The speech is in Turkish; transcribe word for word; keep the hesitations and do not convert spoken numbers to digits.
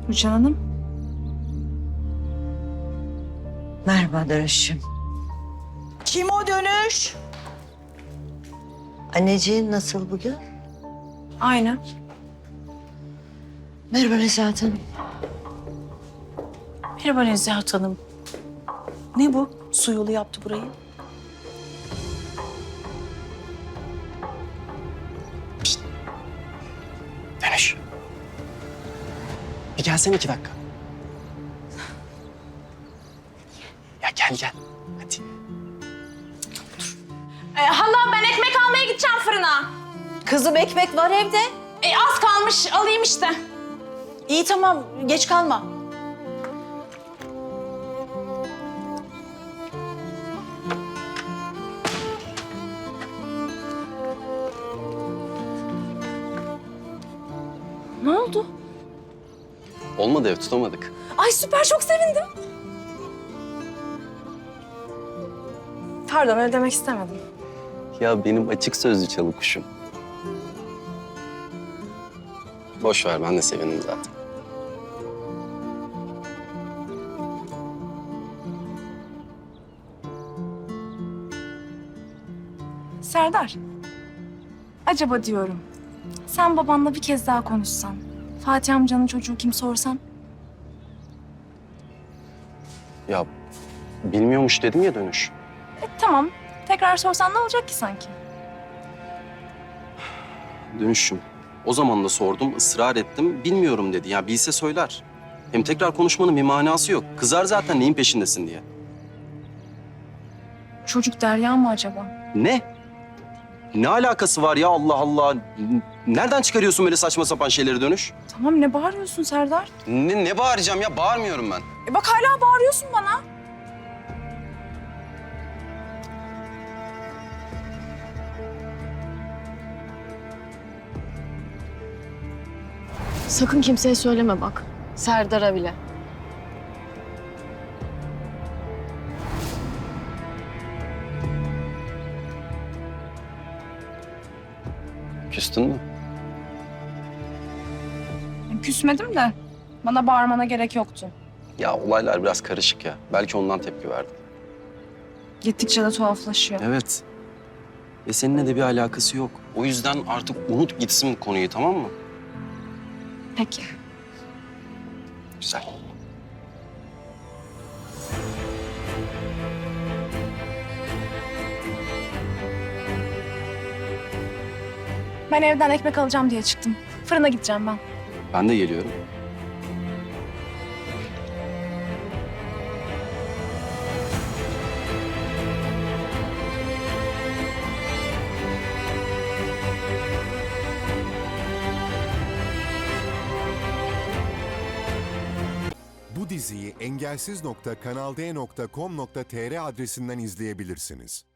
Rüçhan Hanım. Merhaba Dönüş'üm. Kim o Dönüş? Anneciğin nasıl bugün? Aynı. Merhaba Nezahat Hanım. Merhaba Nezahat Hanım. Ne bu? Su yolu yaptı burayı. Dönüş. Bir gelsene iki dakika. Ya gel gel. Hadi. Ee, hala ben ekmek almaya gideceğim fırına. Kızım ekmek var evde. E, az kalmış alayım işte. İyi tamam geç kalma. Ne oldu? Olmadı ev tutamadık. Ay süper çok sevindim. Pardon öyle demek istemedim. Ya benim açık sözlü çalı kuşum. Boş ver ben de sevindim zaten. Serdar. Acaba diyorum. Sen babanla bir kez daha konuşsan. Fatih amcanın çocuğu kim sorsan. Ya bilmiyormuş dedim ya Dönüş. E, tamam. Tekrar sorsan ne olacak ki sanki? Dönüşüm. O zaman da sordum, ısrar ettim. Bilmiyorum dedi. Ya bilse söyler. Hem tekrar konuşmanın bir manası yok. Kızar zaten neyin peşindesin diye. Çocuk Derya mı acaba? Ne? Ne alakası var ya Allah Allah? Nereden çıkarıyorsun böyle saçma sapan şeyleri Dönüş? Tamam ne bağırıyorsun Serdar? Ne, ne bağıracağım ya? Bağırmıyorum ben. E bak hala bağırıyorsun bana. Sakın kimseye söyleme bak. Serdar'a bile. Küstün mü? E, küsmedim de bana bağırmana gerek yoktu. Ya olaylar biraz karışık ya. Belki ondan tepki verdim. Gittikçe de tuhaflaşıyor. Evet. Ve seninle de bir alakası yok. O yüzden artık unut gitsin bu konuyu, tamam mı? Peki. Güzel. Ben evden ekmek alacağım diye çıktım. Fırına gideceğim ben. Ben de geliyorum. Bu diziyi engelsiz nokta kanal d nokta com nokta tr adresinden izleyebilirsiniz.